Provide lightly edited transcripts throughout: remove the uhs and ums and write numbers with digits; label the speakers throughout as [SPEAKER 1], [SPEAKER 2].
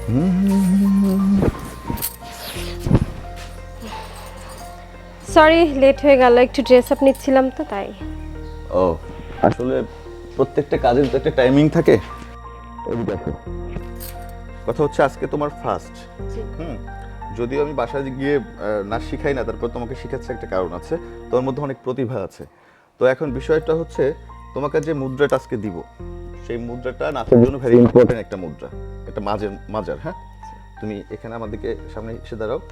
[SPEAKER 1] Sorry late হয়ে গেল, একটু ড্রেস আপ নিচ্ছিলাম তো তাই।
[SPEAKER 2] ও আসলে প্রত্যেকটা কাজের তো একটা টাইমিং থাকে। এই দেখো, কথা হচ্ছে আজকে তোমার ফার্স্ট। যদিও আমি বাসায় গিয়ে নাচ শিখাই না, তারপর তোমাকে শিখাচ্ছে একটা কারণ আছে, তোমার মধ্যে অনেক প্রতিভা আছে। তো এখন বিষয়টা হচ্ছে তোমাকে যে মুদ্রাটা আজকে দিব, সেই মুদ্রাটা নাচের জন্য ভেরি ইম্পর্টেন্ট একটা মুদ্রা, এটা মাজার। হ্যাঁ, তুমি এখানে আমাদেরকে সামনে এসে দাঁড়াও।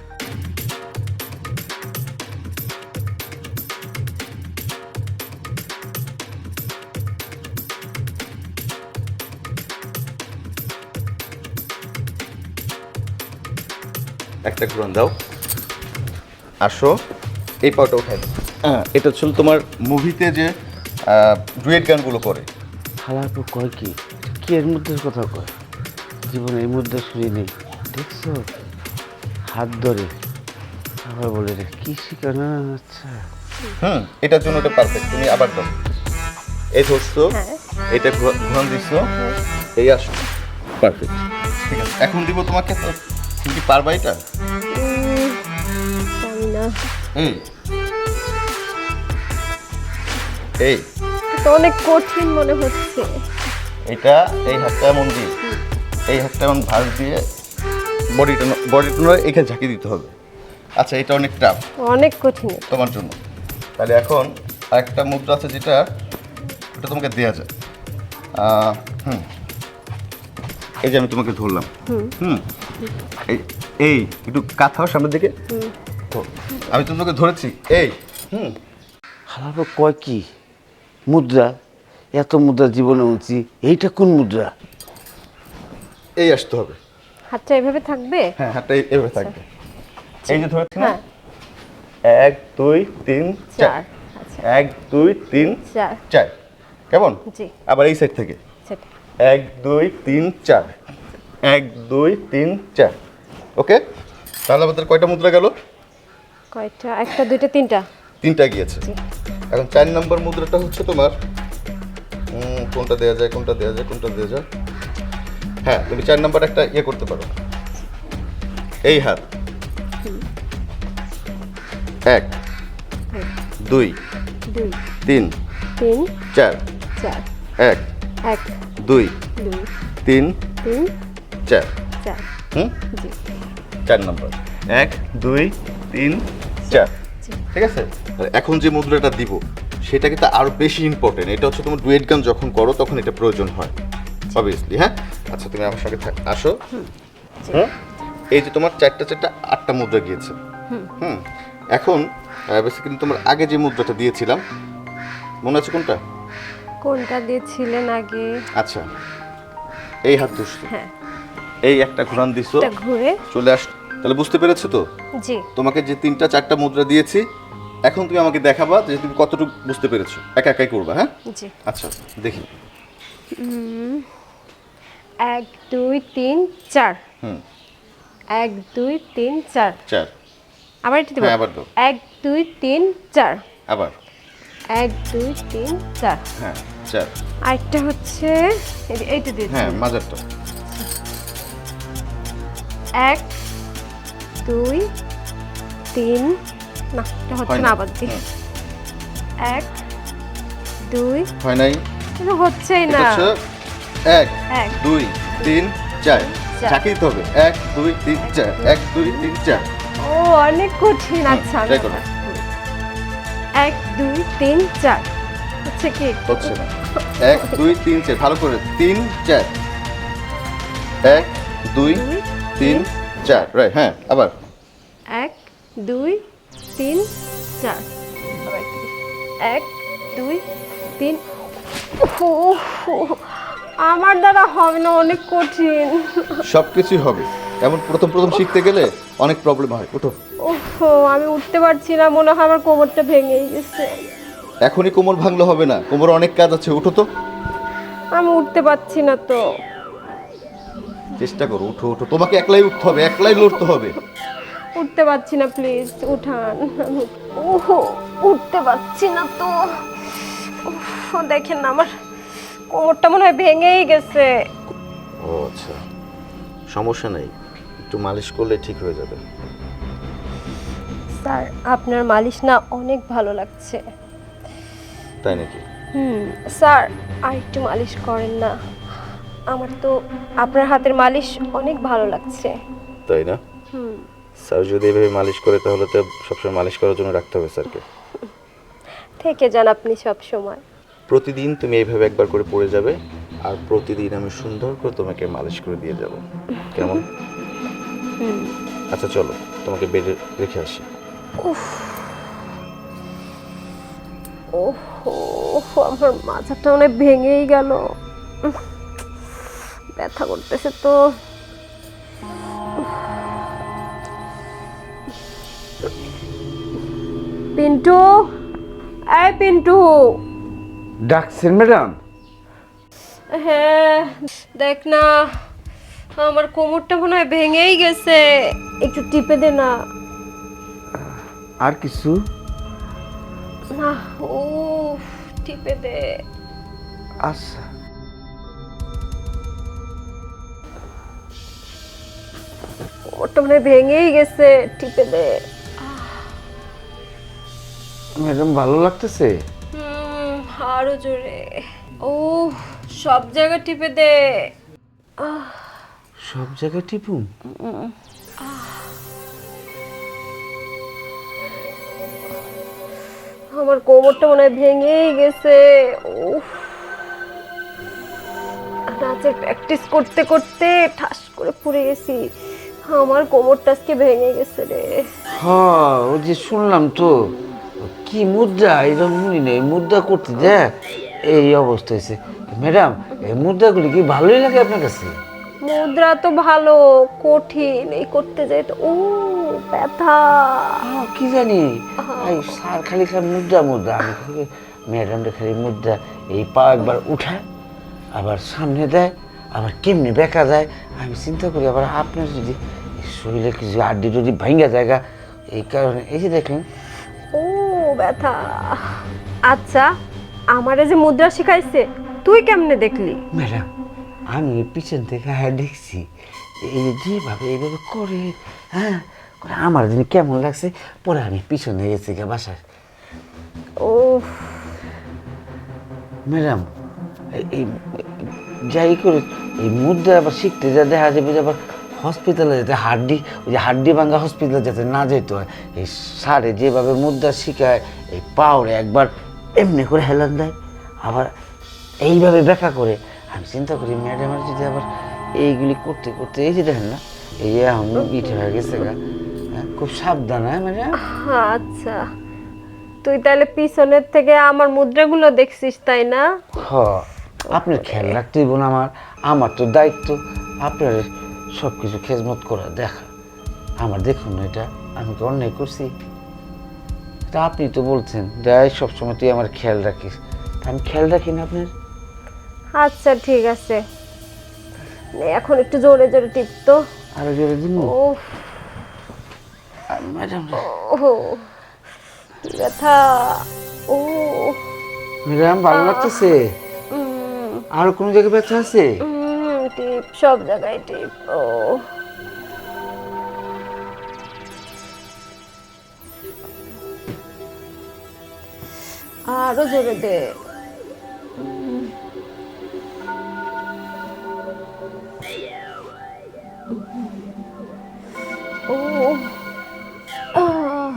[SPEAKER 2] একটা ঘুরান দাও, আসো, এই পাটা উঠাই দাও। হ্যাঁ, এটা ছিল তোমার মুভিতে যে ডুয়েট গানগুলো করে।
[SPEAKER 3] হালার পর কয় কি কি এর মধ্যে কথা কয়, জীবনে এই মধ্যে শুনি নেই। দেখছো হাত ধরে আবার বলে রে কি শিখানো। আচ্ছা
[SPEAKER 2] এটার জন্য এটা পারফেক্ট। তুমি আবার দাও, এই ধরছো, এটা ঘুরান দিচ্ছ, এই আসো, পারফেক্ট। ঠিক আছে, এখন দিব তোমাকে। তো তুমি কি পারবা এটা?
[SPEAKER 1] জানি না,
[SPEAKER 2] এই এই
[SPEAKER 1] তো অনেক কঠিন মনে হচ্ছে।
[SPEAKER 2] এটা এই হাতটা এমন দিয়ে, এই হাতটা এমন ভাঁজ দিয়ে বডিটা এখানে ঝাঁকি দিতে হবে। আচ্ছা, এটা অনেক টাফ,
[SPEAKER 1] অনেক কঠিন
[SPEAKER 2] তোমার জন্য। তাহলে এখন আরেকটা মুদ্রা আছে যেটা ওটা তোমাকে দেওয়া যায়। এই যে আমি তোমাকে ধরলাম, এই একটু কাঁথাও সামনের দিকে, আমি তোমাকে ধরেছি, এই
[SPEAKER 3] হালার পর কয় কি মুদ্রা, এত মুদ্রা জীবনে উঁচি, এইটা কোন মুদ্রা?
[SPEAKER 2] এই আসতে হবে।
[SPEAKER 1] হাতটা এভাবে থাকবে?
[SPEAKER 2] হ্যাঁ, হাতটা এভাবে থাকবে। এই যে ধরেছি না,
[SPEAKER 1] হ্যাঁ,
[SPEAKER 2] 1 2 3 4,
[SPEAKER 1] আচ্ছা
[SPEAKER 2] 1 2 3
[SPEAKER 1] 4,
[SPEAKER 2] 4, কেমন?
[SPEAKER 1] জি
[SPEAKER 2] আবার এই সাইড থেকে
[SPEAKER 1] সেটা।
[SPEAKER 2] 1 2 3 4, 1 2 3 4। ওকে, তাহলে আমাদের কয়টা মুদ্রা গেল?
[SPEAKER 1] কয়টা? একটা, দুইটা, তিনটা।
[SPEAKER 2] তিনটা গিয়েছে। এখন 4 নম্বর মুদ্রাটা হচ্ছে তোমার, কোনটা দেওয়া যায়, কোনটা দেওয়া যায়, কোনটা দেওয়া যায়? হ্যাঁ, তুমি 4 নম্বর একটা ইয়ে করতে পারো। এই হাত 1 2
[SPEAKER 1] দুই
[SPEAKER 2] 3
[SPEAKER 1] তিন
[SPEAKER 2] 4,
[SPEAKER 1] চার
[SPEAKER 2] 1
[SPEAKER 1] এক
[SPEAKER 2] 2
[SPEAKER 1] দুই
[SPEAKER 2] 3
[SPEAKER 1] তিন
[SPEAKER 2] 4।
[SPEAKER 1] চার জি
[SPEAKER 2] 4 নম্বর, 1 2 3 4। ঠিক আছে, এখন যে মুদ্রাটা দিব সেটা কিন্তু আরো বেশি ইম্পর্টেন্ট। এটা হচ্ছে তোমার ডুয়েট গান যখন করো তখন এটা প্রয়োজন হয় অবভিয়াসলি। হ্যাঁ, আচ্ছা তুমি আমার সঙ্গে আসো। এই যে তোমার 4টা 8টা মুদ্রা গিয়েছে। এখন বেসিক্যালি তোমার আগে যে মুদ্রাটা দিয়েছিলাম মনে আছে কোনটা?
[SPEAKER 1] কোনটা দিয়েছিলেন আগে?
[SPEAKER 2] আচ্ছা, এই হাত ধরছো,
[SPEAKER 1] হ্যাঁ,
[SPEAKER 2] এই একটা ঘুরান দিছো,
[SPEAKER 1] এটা ঘুরে
[SPEAKER 2] চলে আস। তাহলে বুঝতে পেরেছো তো?
[SPEAKER 1] জি।
[SPEAKER 2] তোমাকে যে 3টা 4টা মুদ্রা দিয়েছি, এখন তুমি আমাকে দেখাবা যে তুমি কতটুকু বুঝতে পেরেছো। একা একাই করবা। হ্যাঁ
[SPEAKER 1] জি।
[SPEAKER 2] আচ্ছা দেখি।
[SPEAKER 1] 1 2 3 4, 1 2 3 4।
[SPEAKER 2] 4,
[SPEAKER 1] আবার এটা দেব?
[SPEAKER 2] হ্যাঁ, আবার দাও।
[SPEAKER 1] 1 2 3 4,
[SPEAKER 2] আবার
[SPEAKER 1] 1 2 3 4।
[SPEAKER 2] হ্যাঁ 4,
[SPEAKER 1] আরেকটা হচ্ছে এইটা দিয়েছি।
[SPEAKER 2] হ্যাঁ মাঝারটা
[SPEAKER 1] 1 2 3, না এটা হচ্ছে
[SPEAKER 2] হয়
[SPEAKER 1] না,
[SPEAKER 2] না।
[SPEAKER 1] আবার দিই। 1 2,
[SPEAKER 2] হয় নাই,
[SPEAKER 1] এটা হচ্ছেই
[SPEAKER 2] এটা
[SPEAKER 1] না।
[SPEAKER 2] হচ্ছে 1
[SPEAKER 1] এক
[SPEAKER 2] 2 3 4,
[SPEAKER 1] চার।
[SPEAKER 2] ঝাঁকি দিতে হবে। 1 2 3 4, 1 2 3 4।
[SPEAKER 1] ও অনেক কঠিন। আচ্ছা আমি
[SPEAKER 2] try করো।
[SPEAKER 1] 1 2 3 4 হচ্ছে কি?
[SPEAKER 2] হচ্ছে না। 1 2 3 4, ভালো করে 3 4, 1 2 3 4, রাইট। হ্যাঁ আবার
[SPEAKER 1] 1 2 3 4, আবার 1 2 3। আমার দ্বারা হবে না, অনেক কঠিন।
[SPEAKER 2] সবকিছুই হবে, এমন প্রথম প্রথম শিখতে গেলে অনেক প্রবলেম হয়। ওঠো।
[SPEAKER 1] ওহো, আমি উঠতে পারছি না, মনে হয় আমার কোমরটা ভেঙেই গেছে।
[SPEAKER 2] এখনই কোমর ভাঙলে হবে না, কোমরে অনেক কাজ আছে। উঠো তো।
[SPEAKER 1] আমি উঠতে পারছি না তো।
[SPEAKER 2] চেষ্টা করো, উঠো উঠো, তোমাকে একলাই উঠতে হবে, একলাই লড়তে হবে।
[SPEAKER 1] উঠতে পারছি না, প্লিজ উঠান। ওহো, উঠতে পারছি না তো। উফ, দেখেন না আমার কোমরটা মনে হয় ভেঙেই গেছে।
[SPEAKER 2] ও আচ্ছা, সমস্যা নেই, একটু মালিশ করলে ঠিক হয়ে যাবে।
[SPEAKER 1] স্যার আপনার মালিশ না অনেক ভালো লাগছে।
[SPEAKER 2] তাই নাকি?
[SPEAKER 1] স্যার আর একটু মালিশ করেন না, আমার তো আপনার হাতের মালিশ অনেক ভালো লাগছে।
[SPEAKER 2] তাই না? স্যার যদি এভাবে মালিশ করে তাহলে তো সবসময় মালিশ করার জন্য রাখতে হবে স্যারকে।
[SPEAKER 1] থেকে যান আপনি সব সময়।
[SPEAKER 2] প্রতিদিন তুমি এইভাবে একবার করে পড়ে যাবে, আর প্রতিদিন আমি সুন্দর করে তোমাকে মালিশ করে দিয়ে যাব, কেমন? আচ্ছা চলো, তোমাকে বেডে রেখে আসি।
[SPEAKER 1] ওহো, আমার মাথাটা অনেক ভেঙেই গেল, ব্যথা করতেছে তো। পিন্টু, এই পিন্টু।
[SPEAKER 3] ডাকছেন ম্যাডাম?
[SPEAKER 1] হ্যাঁ, দেখ না আমার কোমরটা মনে হয় ভেঙেই গেছে, একটু টিপে দে না।
[SPEAKER 3] আর কিছু?
[SPEAKER 1] না, ও টিপে দে।
[SPEAKER 3] আচ্ছা।
[SPEAKER 1] কোমরটা মনে হয় ভেঙেই গেছে, টিপে দে।
[SPEAKER 3] ম্যাডাম ভালো লাগতেছে?
[SPEAKER 1] আরো জোরে। ও সব জায়গা টিপে দে।
[SPEAKER 3] সব জায়গায় টিপুন?
[SPEAKER 1] আমার কোমরটা মনে হয় ভেঙেই গেছে। উফ, নাচের প্র্যাকটিস করতে করতে ঠাস করে পড়ে গেছি, আমার কোমরটা আজকে ভেঙে গেছে রে।
[SPEAKER 3] হ্যাঁ, ওই যে শুনলাম তো, কি মুদ্রা এরকম শুনি না, এই মুদ্রা করতে দেয় এই অবস্থা হয়েছে। ম্যাডাম, এই মুদ্রাগুলি কি ভালোই লাগে আপনার কাছে?
[SPEAKER 1] মুদ্রা তো ভালো, কঠিন এই করতে যাই তো ও ব্যথা।
[SPEAKER 3] কি জানি, এই স্যার খালি খালি মুদ্রা মুদ্রা, আমি খালি ম্যাডামটা খালি মুদ্রা, এই পা একবার উঠায় আবার সামনে দেয়, আবার কেমনি বেঁকা যায়। আমি চিন্তা করি আবার আপনার যদি শরীরে কিছু আড্ডি টুডি ভাঙ্গা জায়গা, এই কারণে এই যে দেখেন।
[SPEAKER 1] ও ব্যথা। আচ্ছা, আমারে যে মুদ্রা শিখাইছে তুই কেমনে দেখলি?
[SPEAKER 3] ম্যাডাম, আমি পিছন থেকে হ্যাঁ দেখছি, এই যেভাবে এইভাবে করে, হ্যাঁ করে আমার দিন কেমন লাগছে, পরে আমি পিছনে গেছি গা বাসায়।
[SPEAKER 1] ও
[SPEAKER 3] ম্যাডাম, এই যাই করে এই মুদ্রা আবার শিখতে যা দেখা যাবে যে আবার হসপিটালে যেতে হাড্ডি, ওই যে হাড্ডি ভাঙ্গা হসপিটালে যাতে না যেতে হয়, এই সারে যেভাবে মুদ্রা শিখায়, এই পাওরে একবার এমনি করে হেলান দেয়, আবার এইভাবে ব্যাখ্যা করে। আমি চিন্তা করি ম্যাডামের যদি আবার এইগুলি করতে করতে, এই যে দেখেন না, এই এখন ইট হয়ে গেছে গা, খুব সাবধান হয় ম্যাডাম।
[SPEAKER 1] আচ্ছা, তুই তাহলে পিছনের থেকে আমার মুদ্রাগুলো দেখছিস তাই না?
[SPEAKER 3] হ, আপনার খেয়াল রাখতেই বোন, আমার তো দায়িত্ব আপনার সব কিছু খেজমত করা দেখা। আমার দেখুন না, এটা আমি তো অন্যায় করছি, তা আপনি তো বলছেন যাই সবসময় তুই আমার খেয়াল রাখিস, তা আমি খেয়াল রাখি না আপনার।
[SPEAKER 1] আচ্ছা ঠিক আছে, নে এখন একটু জোরে জোরে টিপতো।
[SPEAKER 3] আরো জোরে দিন
[SPEAKER 1] ও
[SPEAKER 3] ম্যাডাম।
[SPEAKER 1] ও ব্যথা। ও
[SPEAKER 3] ম্যাডাম ভালো লাগতেছে? আর কোনো জায়গায় ব্যথা আছে?
[SPEAKER 1] টিপ, সব জায়গায় টিপ। ও আরো জোরে দে। ও আহ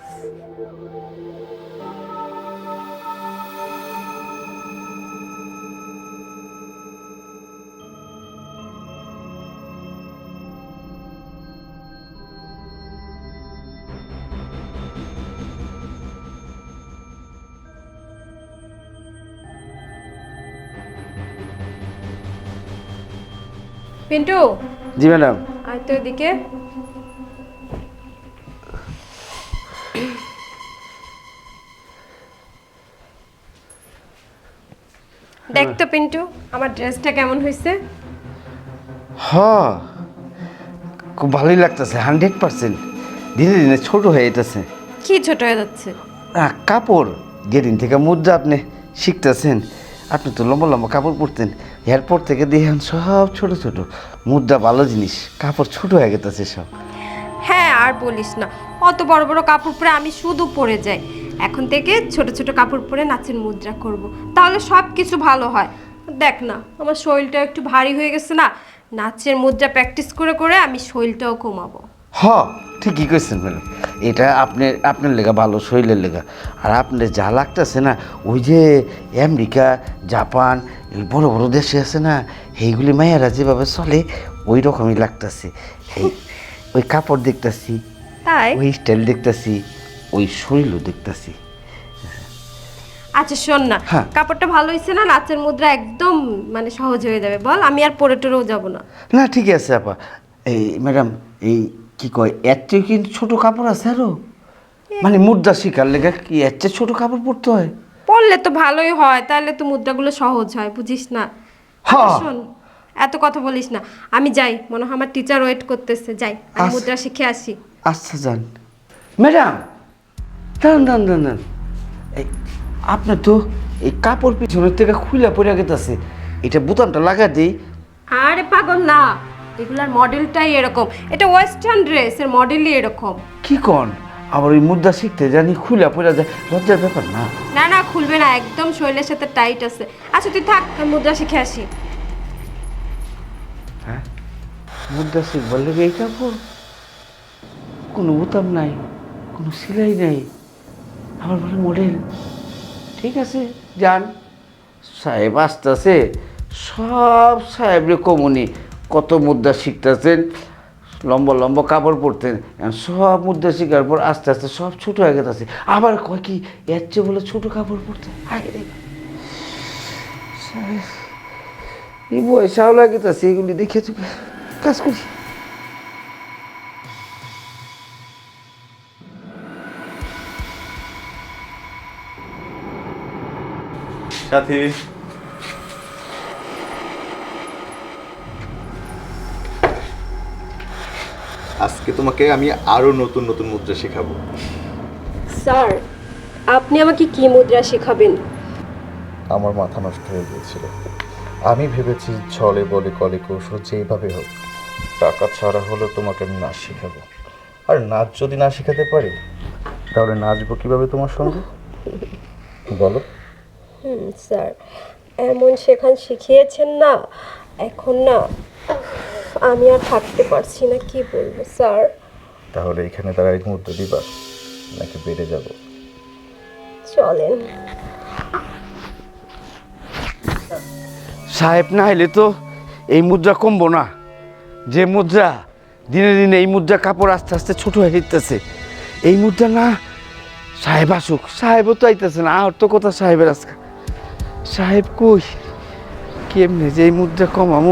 [SPEAKER 1] পিন্টু,
[SPEAKER 3] জি ম্যাডাম।
[SPEAKER 1] আয় তো এদিকে। দেখ তো পিন্টু, আমার ড্রেসটা কেমন হয়েছে?
[SPEAKER 3] হ্যাঁ, খুব ভালোই লাগতেছে, 100%। ধীরে ধীরে ছোট হয়ে যেতেছে।
[SPEAKER 1] কি ছোট হয়ে যাচ্ছে?
[SPEAKER 3] কাপড় যেদিন থেকে মুদ্রা আপনি শিখতেছেন, আপনি তো লম্বা লম্বা কাপড় পরতেন, এরপর থেকে দেখেন সব ছোট ছোট। মুদ্রা ভালো জিনিস, কাপড় ছোট হয়ে গেছে সব।
[SPEAKER 1] হ্যাঁ আর বলিস না, অত বড় বড় কাপড় পরে আমি শুধু পরে যাই। এখন থেকে ছোট ছোট কাপড় পরে নাচের মুদ্রা করব, তাহলে সব কিছু ভালো হয়। দেখ না, আমার শরীরটা একটু ভারী হয়ে গেছে না, নাচের মুদ্রা প্র্যাকটিস করে করে আমি শরীরটাও কমাবো।
[SPEAKER 3] হ, ঠিকই কইছেন ম্যাডাম। এটা আপনার লেগা ভালো, শরীরের লেগা। আর আপনার যা লাগতেছে না, ওই যে আমেরিকা, জাপান, এই বড় বড় দেশে আছে না, এইগুলি মায়েরা যেভাবে চলে ওই রকমই লাগতেছে। ওই কাপড় দেখতেছি,
[SPEAKER 1] তাই?
[SPEAKER 3] ওই স্টাইল দেখতেছি, ওই শরীরও দেখতেছি।
[SPEAKER 1] আচ্ছা শোন না,
[SPEAKER 3] হ্যাঁ।
[SPEAKER 1] কাপড়টা ভালো হয়েছে না, নাচের মুদ্রা একদম মানে সহজ হয়ে যাবে। বল, আমি আর পরে টরেও যাবো না।
[SPEAKER 3] না ঠিক আছে আপা। এই ম্যাডাম, এই কি কয়, এর চেয়ে কিন্তু ছোটো কাপড় আছে আরো? মানে মুদ্রা শিকার লেগে কি এর চেয়ে ছোটো কাপড় পরতে হয়?
[SPEAKER 1] পরলে তো ভালোই হয়, তাহলে তো মুদ্রাগুলো সহজ হয়, বুঝিস না? আচ্ছা
[SPEAKER 3] হ্যাঁ।
[SPEAKER 1] শোন, এত কথা বলিস না, আমি যাই, মনে হয় আমার টিচার ওয়েট করতেছে। যাই, আমি
[SPEAKER 3] আচ্ছা।
[SPEAKER 1] মুদ্রা শিখে আসি।
[SPEAKER 3] আচ্ছা যান। ম্যাডাম, দাঁড়ান। এই আপনার তো এই কাপড় পিছনের থেকে খুলে পড়ে গেছে, এটা বোতামটা লাগা দিই।
[SPEAKER 1] আরে পাগল না, এগুলার মডেলটাই এরকম, এটা ওয়েস্টার্ন ড্রেস এর মডেলই এরকম।
[SPEAKER 3] কি কন? আবার ওই মুদ্রা শিখতে জানি খুলে পড়ে যায়, লজ্জার ব্যাপার না?
[SPEAKER 1] না না, খুলবে না, একদম শরীরের সাথে টাইট আছে। আচ্ছা তুই থাক, আমি মুদ্রা শিখে আসি।
[SPEAKER 3] হ্যাঁ, মুদ্রা শিখবার লেগে এই কাপড়, কোনো বোতাম নাই, কোনো সেলাই নেই, আবার বলে মডেল। ঠিক আছে, যান। সাহেব আসতেছে, সব সাহেবরে কমনি কত মুদ্রা শিখতেছেন, লম্বা লম্বা কাপড় পরতেন, এখন সব মুদ্রা শিখার পর আস্তে আস্তে সব ছোটো হয়ে গেছে। আবার কয় কি এর চেয়ে বলে ছোটো কাপড় পরতে আগে রে। সাহেব, এই বয়সাও লাগিতেছে, এগুলি দেখে চুকে কাজ করি।
[SPEAKER 2] সাথী, আজকে তোমাকে আমি আরো নতুন নতুন মুদ্রা শেখাবো।
[SPEAKER 1] স্যার, আপনি আমাকে কি মুদ্রা শেখাবেন?
[SPEAKER 2] আমার মাথা নষ্ট হয়ে গিয়েছিল। আমি ভেবেছি ছলে বলে কলে কৌশল যেইভাবে হোক টাকা ছাড়া হলেও তোমাকে আমি নাচ শেখাবো। আর নাচ যদি না শেখাতে পারি তাহলে নাচবো কিভাবে তোমার সঙ্গে, বলো?
[SPEAKER 1] স্যার, এমন শেখান শিখিয়েছেন না, এখন না আমি আর থাকতে পারছি না, কি বলবো স্যার।
[SPEAKER 2] তাহলে এখানে দাঁড়াই মুদ্রা দিবা নাকি বেড়ে যাব?
[SPEAKER 1] চলেন।
[SPEAKER 3] সাহেব না হলে তো এই মুদ্রা কমবো না। যে মুদ্রা দিনে দিনে এই মুদ্রা কাপড় আস্তে আস্তে ছোট হয়ে যেতেছে, এই মুদ্রা না সাহেব আসুক। সাহেবও তো আইতেছে না, আর তো কথা সাহেবের আজকে। সাহেব কই, কেমনে যে এই মুদ্রা কমামু?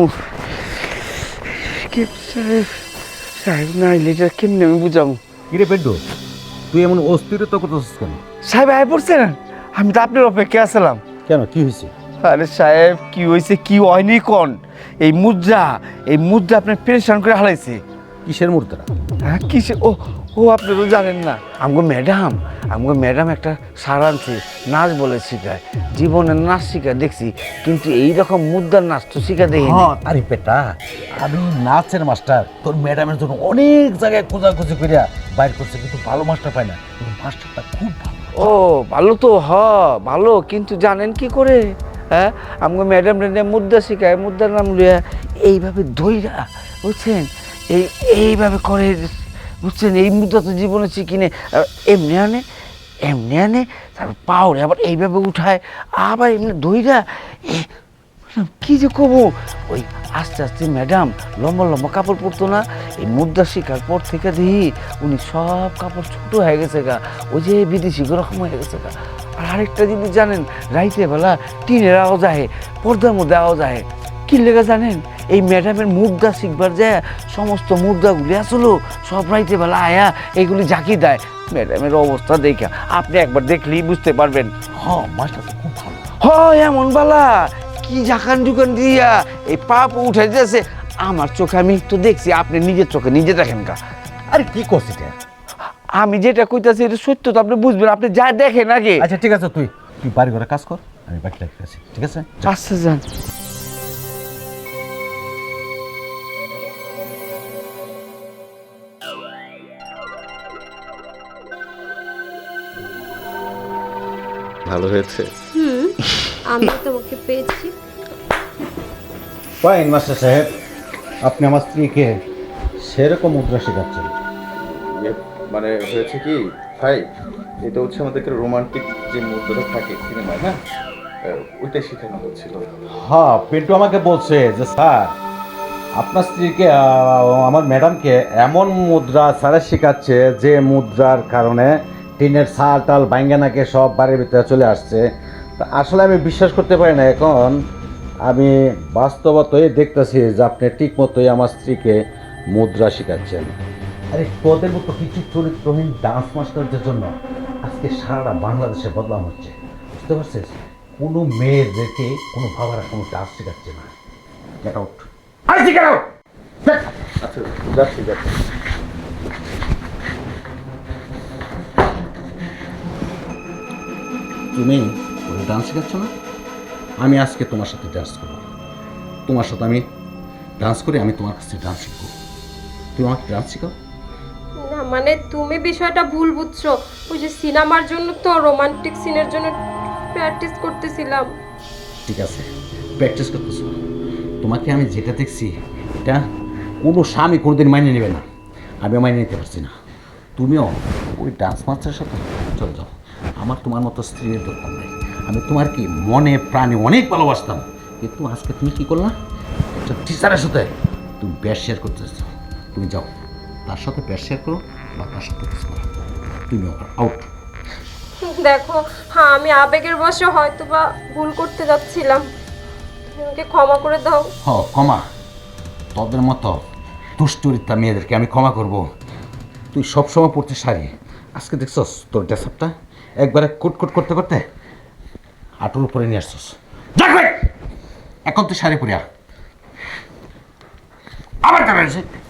[SPEAKER 3] সাহেব সাহেব না আইলে এটা কেমনে আমি বুঝামু?
[SPEAKER 4] কিরে পেড্ডু, তুই এমন অস্থিরতা করতেছিস কেন?
[SPEAKER 3] সাহেব আয় পড়ছেন? আমি তো আপনার অপেক্ষা আসলাম।
[SPEAKER 4] কেন, কি হয়েছে?
[SPEAKER 3] আরে সাহেব, কি হয়েছে কি হয়নি কোন? এই মুদ্রা আপনার পেরেশান করে হারাইছে।
[SPEAKER 4] কিসের মুদ্রা?
[SPEAKER 3] হ্যাঁ কিসে? ও ও আপনি তো জানেন না, আমগো ম্যাডাম একটা সার আনছে, নাচ বলে শিখায়। জীবনে নাচ শিখায় দেখছি, কিন্তু এইরকম মুদ্রার নাচ তো শিখা দেখি।
[SPEAKER 4] আরে পেটা, আমি নাচের মাস্টার, তোর ম্যাডামের জন্য অনেক জায়গায় খোঁজাখুঁজি করিয়া বাইর করছে, কিন্তু ভালো মাস্টার পায় না। মাস্টারটা খুব ভালো।
[SPEAKER 3] ও ভালো তো, ভালো, কিন্তু জানেন কি করে? হ্যাঁ, আমগো ম্যাডাম মুদ্রা শিখায়, মুদ্রার নাম লইয়া এইভাবে ধইরা, বুঝছেন, এইভাবে করে, বুঝছেন। এই মুদ্রা তো জীবনে শিখিনি। এমনি আনে তারপর পাওড়ে আবার এইভাবে উঠায়, আবার এমনি ধইরা। কি যে কবো, ওই আস্তে আস্তে ম্যাডাম লম্বা লম্বা কাপড় পরতো না, এই মুদ্রা শিখার পর থেকে দেখি উনি সব কাপড় ছোট হয়ে গেছে গা, ওই যে বিদেশি রকম হয়ে গেছে গা। আর আরেকটা জিনিস জানেন, রাইতে বেলা টিনের আওয়াজ আহে, পর্দার মধ্যে আওয়াজ আহে। কি লেগে জানেন? এই ম্যাডামের মুদ্রা শিখবার যায় সমস্ত মুদ্রাগুলি আসলো সব রাইতে বেলা আয়া এইগুলি ঝাঁকি দেয়। ম্যাডামের অবস্থা দেখা আপনি একবার দেখলেই বুঝতে পারবেন।
[SPEAKER 4] মাস্টার তো খুব ভালো।
[SPEAKER 3] এমন বালা কি ঝাঁকান ঢুকান দিয়া এই পাপ উঠে যাচ্ছে আমার চোখে। আমি তো দেখছি, আপনি নিজের চোখে নিজে দেখেন কা।
[SPEAKER 4] আরে কি করছিস?
[SPEAKER 3] আমি যেটা কইতাছি এটা সত্য তো, আপনি বুঝবেন, আপনি যা দেখেন আগে।
[SPEAKER 4] আচ্ছা ঠিক আছে, তুই বাড়ি ঘরে কাজ কর, আমি বাকি রাখতেছি, ঠিক আছে?
[SPEAKER 3] আচ্ছা যান।
[SPEAKER 2] ভালো হয়েছে।
[SPEAKER 1] আমি তোমাকে পেয়েছি।
[SPEAKER 4] ফাইন মাস্টার সাহেব, আপনি আমার স্ত্রীকে সেরকম মুদ্রা শেখাচ্ছেন।
[SPEAKER 2] মানে হয়েছে কি ভাই, এটা হচ্ছে আমাদেরকে রোমান্টিক যে মুহূর্তটা থাকে সিনেমায়, না ওইটাই শেখানো হচ্ছিল।
[SPEAKER 4] হ্যাঁ, পিন্টু আমাকে বলছে যে স্যার আপনার স্ত্রীকে আমার ম্যাডামকে এমন মুদ্রা স্যারে শেখাচ্ছে যে মুদ্রার কারণে টিনের ছাল টাল বাইঙ্গানাকে সব বাড়ির ভিতরে চলে আসছে। তা আসলে আমি বিশ্বাস করতে পারি না। এখন আমি বাস্তবতই দেখতেছি যে আপনি ঠিক মতোই আমার স্ত্রীকে মুদ্রা শেখাচ্ছেন। আরে তোদের মতো কিছু চরিত্রহীন ডান্স মাস্টারদের জন্য আজকে সারা বাংলাদেশে বদনাম হচ্ছে, বুঝতে পারছিস? কোনো মেয়েদেরকে কোনো বাবারা কোনো ডান্স শেখাচ্ছে না। Get out.
[SPEAKER 2] আচ্ছা, যাচ্ছি যাচ্ছি।
[SPEAKER 4] তুমি ওই ডান্স শেখাচ্ছ না? আমি আজকে তোমার সাথে ডান্স করবো। তোমার সাথে আমি ডান্স করি, আমি তোমার কাছে ডান্স শিখবো। তুমি আমাকে ডান্স শেখাও।
[SPEAKER 1] না মানে তুমি বিষয়টা ভুল বুঝছো। ওই যে সিনেমার জন্য তো রোমান্টিক সিনের জন্য প্র্যাকটিস করতেছিলাম।
[SPEAKER 4] ঠিক আছে, প্র্যাকটিস করতেছো। তোমাকে আমি যেটা দেখছি এটা কোনো স্বামী কোনোদিন মাইনে নেবে না, আমিও মাইনে নিতে পারছি না। তুমিও ওই ডান্স মাস্টারের সাথে চলে যাও। আমার তোমার মতো স্ত্রীর দরকার নেই। আমি তোমার কি মনে প্রাণে অনেক ভালোবাসতাম, কিন্তু আজকে তুমি কী করলা? একটা টিচারের সাথে তুমি ব্যাস শেয়ার করতেছ। তুমি যাও, তার সাথে ব্যাস শেয়ার করো বা তার সাথে কিছু করো। তুমি আউট।
[SPEAKER 1] দেখো, হ্যাঁ আমি আবেগের বশে হয়তো বা ভুল করতে যাচ্ছিলাম, তুমি আমাকে ক্ষমা করে দাও।
[SPEAKER 4] ক্ষমা? তোদের মতো দুশ্চরিত্রা মেয়েদেরকে আমি ক্ষমা করব? তুই সবসময় পড়তে শাড়ি, আজকে দেখছস তোর ড্রেসআপটা একবারে কুটকুট করতে করতে হাঁটুর উপরে নিয়ে আসছস। এখন তুই শাড়ি পরিয়া আবার কেন